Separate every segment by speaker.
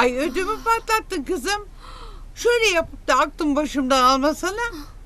Speaker 1: Ay ödümü patlattın kızım. Şöyle yapıp da aklım başımdan almasana.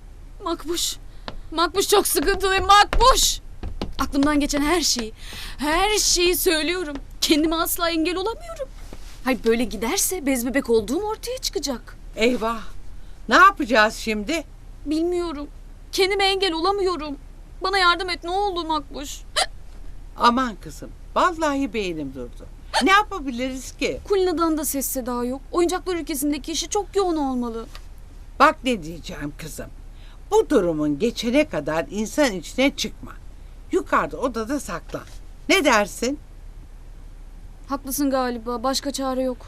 Speaker 2: Makbuş çok sıkıntılıyım Makbuş. Aklımdan geçen her şeyi söylüyorum. Kendime asla engel olamıyorum. Hayır böyle giderse bez bebek olduğum ortaya çıkacak.
Speaker 1: Eyvah. Ne yapacağız şimdi?
Speaker 2: Bilmiyorum. Kendime engel olamıyorum. Bana yardım et ne olur Makbuş.
Speaker 1: Aman kızım. Vallahi beynim durdu. Ne yapabiliriz ki?
Speaker 2: Kulina'dan da ses seda yok. Oyuncaklar ülkesindeki işi çok yoğun olmalı.
Speaker 1: Bak ne diyeceğim kızım. Bu durumun geçene kadar insan içine çıkma. Yukarıda odada saklan. Ne dersin?
Speaker 2: Haklısın galiba. Başka çare yok.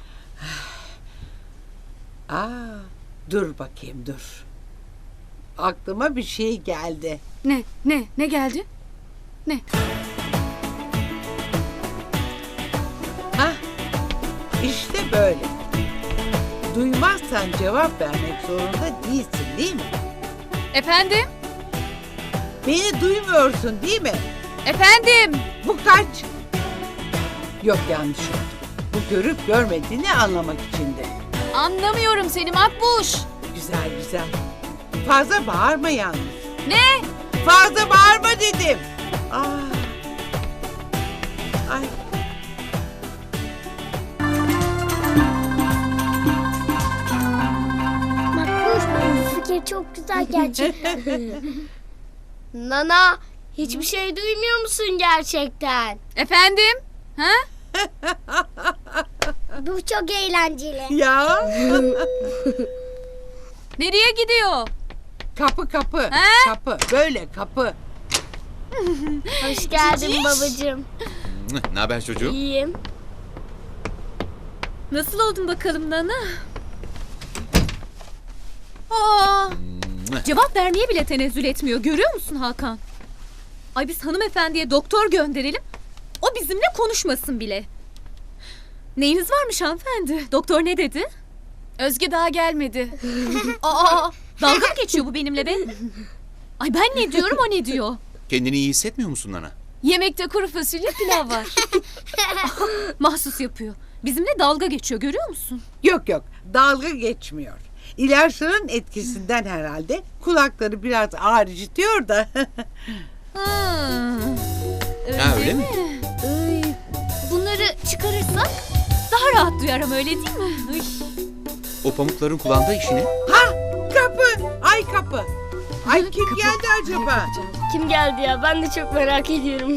Speaker 1: Dur bakayım dur. Aklıma bir şey geldi.
Speaker 2: Ne geldi? Ne?
Speaker 1: İşte böyle. Duymazsan cevap vermek zorunda değilsin değil mi?
Speaker 2: Efendim?
Speaker 1: Beni duymuyorsun değil mi?
Speaker 2: Efendim?
Speaker 1: Bu kaç? Yok yanlış oldu. Bu görüp görmediğini anlamak içindi.
Speaker 2: Anlamıyorum seni Makbuş.
Speaker 1: Güzel güzel. Fazla bağırma yalnız.
Speaker 2: Ne?
Speaker 1: Fazla bağırma dedim. Ay.
Speaker 3: Makbuş, bu fikir çok güzel gerçekten. Nana, hiçbir şey duymuyor musun gerçekten?
Speaker 2: Efendim? Ha?
Speaker 3: Bu çok eğlenceli.
Speaker 1: Ya.
Speaker 2: Nereye gidiyor?
Speaker 1: Kapı.
Speaker 2: He?
Speaker 1: Kapı. Böyle kapı.
Speaker 3: Hoş geldin babacığım.
Speaker 4: Ne haber çocuğum?
Speaker 3: İyiyim.
Speaker 2: Nasıl oldun bakalım Nana? Aa, cevap vermeye bile tenezzül etmiyor. Görüyor musun Hakan? Ay biz hanımefendiye doktor gönderelim. O bizimle konuşmasın bile. Neyiniz varmış hanımefendi? Doktor ne dedi? Özge daha gelmedi. Aa, dalga mı geçiyor bu benimle be? Ay ben ne diyorum o ne diyor?
Speaker 4: Kendini iyi hissetmiyor musun Nana?
Speaker 2: Yemekte kuru fasulye pilav var. Mahsus yapıyor. Bizimle dalga geçiyor görüyor musun?
Speaker 1: Yok dalga geçmiyor. İlaçların etkisinden herhalde kulakları biraz ağrıcıtıyor da.
Speaker 4: Öyle mi?
Speaker 2: Bunları çıkarırsak daha rahat duyarım öyle değil mi? Ay.
Speaker 4: O pamukların kulağında işine.
Speaker 1: Kapı. Ay kapı. Ay kim geldi acaba?
Speaker 3: Kim geldi ya? Ben de çok merak ediyorum.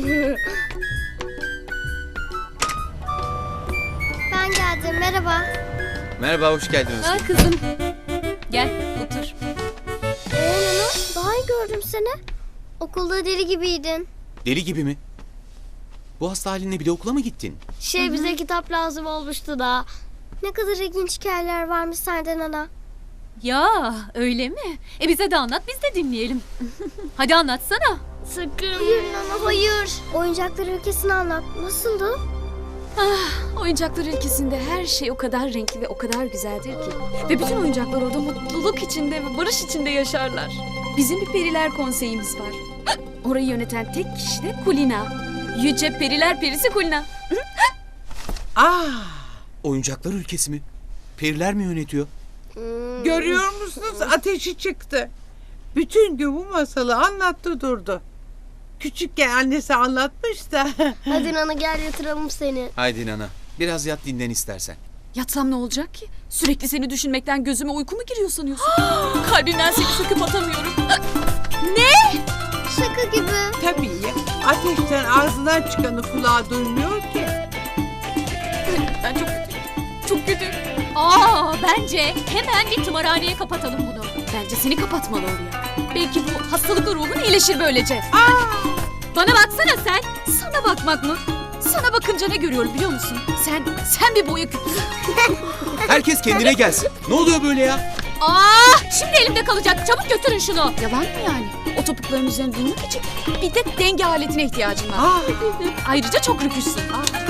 Speaker 3: Ben geldim. Merhaba.
Speaker 4: Merhaba, hoş geldiniz.
Speaker 2: Ha kızım. Gel otur.
Speaker 3: Nana, daha iyi gördüm seni. Okulda deli gibiydin.
Speaker 4: Deli gibi mi? Bu hasta halinle bile okula mı gittin?
Speaker 3: Bize kitap lazım olmuştu da. Ne kadar ilginç hikayeler varmış sende Nana.
Speaker 2: Ya öyle mi? Bize de anlat biz de dinleyelim. Hadi anlatsana.
Speaker 3: Sakın. Hayır Nana, hayır. Oyuncaklar ülkesini anlat. Nasıldı?
Speaker 2: Oyuncaklar ülkesinde her şey o kadar renkli ve o kadar güzeldir ki. Ve bütün oyuncaklar orada mutluluk içinde ve barış içinde yaşarlar. Bizim bir periler konseyimiz var. Orayı yöneten tek kişi de Kulina. Yüce periler perisi Kulina.
Speaker 4: Oyuncaklar ülkesi mi? Periler mi yönetiyor?
Speaker 1: Görüyor musunuz? Ateşi çıktı. Bütün gün bu masalı anlattı durdu. Küçükken annesi anlatmış da.
Speaker 3: Hadi Nana gel yatıralım seni.
Speaker 4: Haydi Nana, biraz yat dinlen istersen.
Speaker 2: Yatsam ne olacak ki? Sürekli seni düşünmekten gözüme uyku mu giriyor sanıyorsun? Kalbimden seni söküp atamıyorum. Ne?
Speaker 3: Şaka gibi.
Speaker 1: Tabii ya. Ateşten ağzından çıkanı kulağa duymuyor ki.
Speaker 2: Ben çok kötüyüm. Çok kötüyüm. Bence hemen bir tımarhaneye kapatalım bunu. Bence seni kapatmalı oraya. Belki bu hastalıklı ruhun iyileşir böylece. Bana baksana sen. Sana bakmak mı? Sana bakınca ne görüyorum biliyor musun? Sen bir boya küpüsün.
Speaker 4: Herkes kendine gelsin. Ne oluyor böyle ya?
Speaker 2: Şimdi elimde kalacak. Çabuk götürün şunu. Yalan mı yani? O topukların üzerine durmak için bir de denge aletine ihtiyacım var. Ayrıca çok rüküşsün.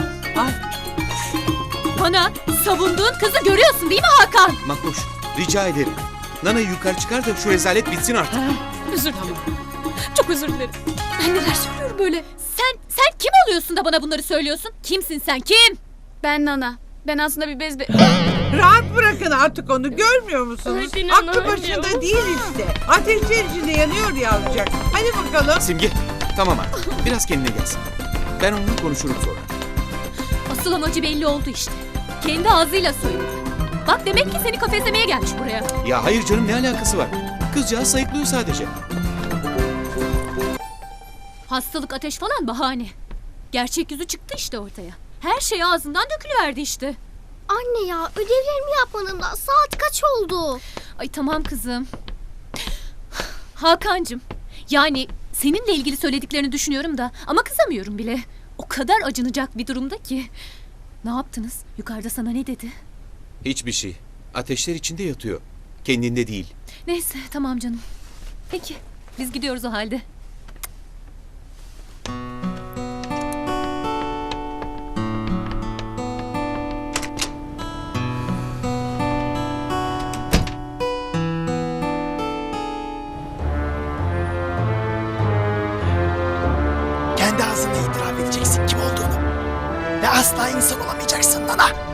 Speaker 2: Bana savunduğun kızı görüyorsun değil mi Hakan?
Speaker 4: Makbuş, rica ederim. Nana'yı yukarı çıkar da şu rezalet bitsin artık.
Speaker 2: Özür dilerim. Çok özür dilerim. Ben neler söylüyorum böyle? Sen kim oluyorsun da bana bunları söylüyorsun? Kimsin sen kim? Ben Nana. Ben aslında bir bez...
Speaker 1: Rahat bırakın artık onu, görmüyor musunuz?
Speaker 3: Hadi
Speaker 1: Aklı
Speaker 3: nana,
Speaker 1: başında
Speaker 3: hadi.
Speaker 1: değil işte. Ateşler içinde yanıyor yavrucak. Hadi bakalım.
Speaker 4: Simge, tamam artık. Biraz kendine gelsin. Ben onunla konuşurum sonra.
Speaker 2: Asıl amacı belli oldu işte. Kendi ağzıyla söyledi. Bak demek ki seni kafeslemeye gelmiş buraya.
Speaker 4: Ya hayır canım, ne alakası var? Kızcağız sayıklıyor sadece.
Speaker 2: Hastalık, ateş falan bahane. Gerçek yüzü çıktı işte ortaya. Her şey ağzından dökülüverdi işte.
Speaker 3: Anne ya, ödevlerimi yapmadım da saat kaç oldu?
Speaker 2: Ay tamam kızım. Hakancığım, yani seninle ilgili söylediklerini düşünüyorum da ama kızamıyorum bile. O kadar acınacak bir durumda ki. Ne yaptınız? Yukarıda sana ne dedi?
Speaker 4: Hiçbir şey. Ateşler içinde yatıyor. Kendinde değil.
Speaker 2: Neyse tamam canım. Peki biz gidiyoruz o halde.
Speaker 5: Kendi ağzınla itiraf edeceksin kim olduğunu. Ve asla insan olamayacaksın Nana.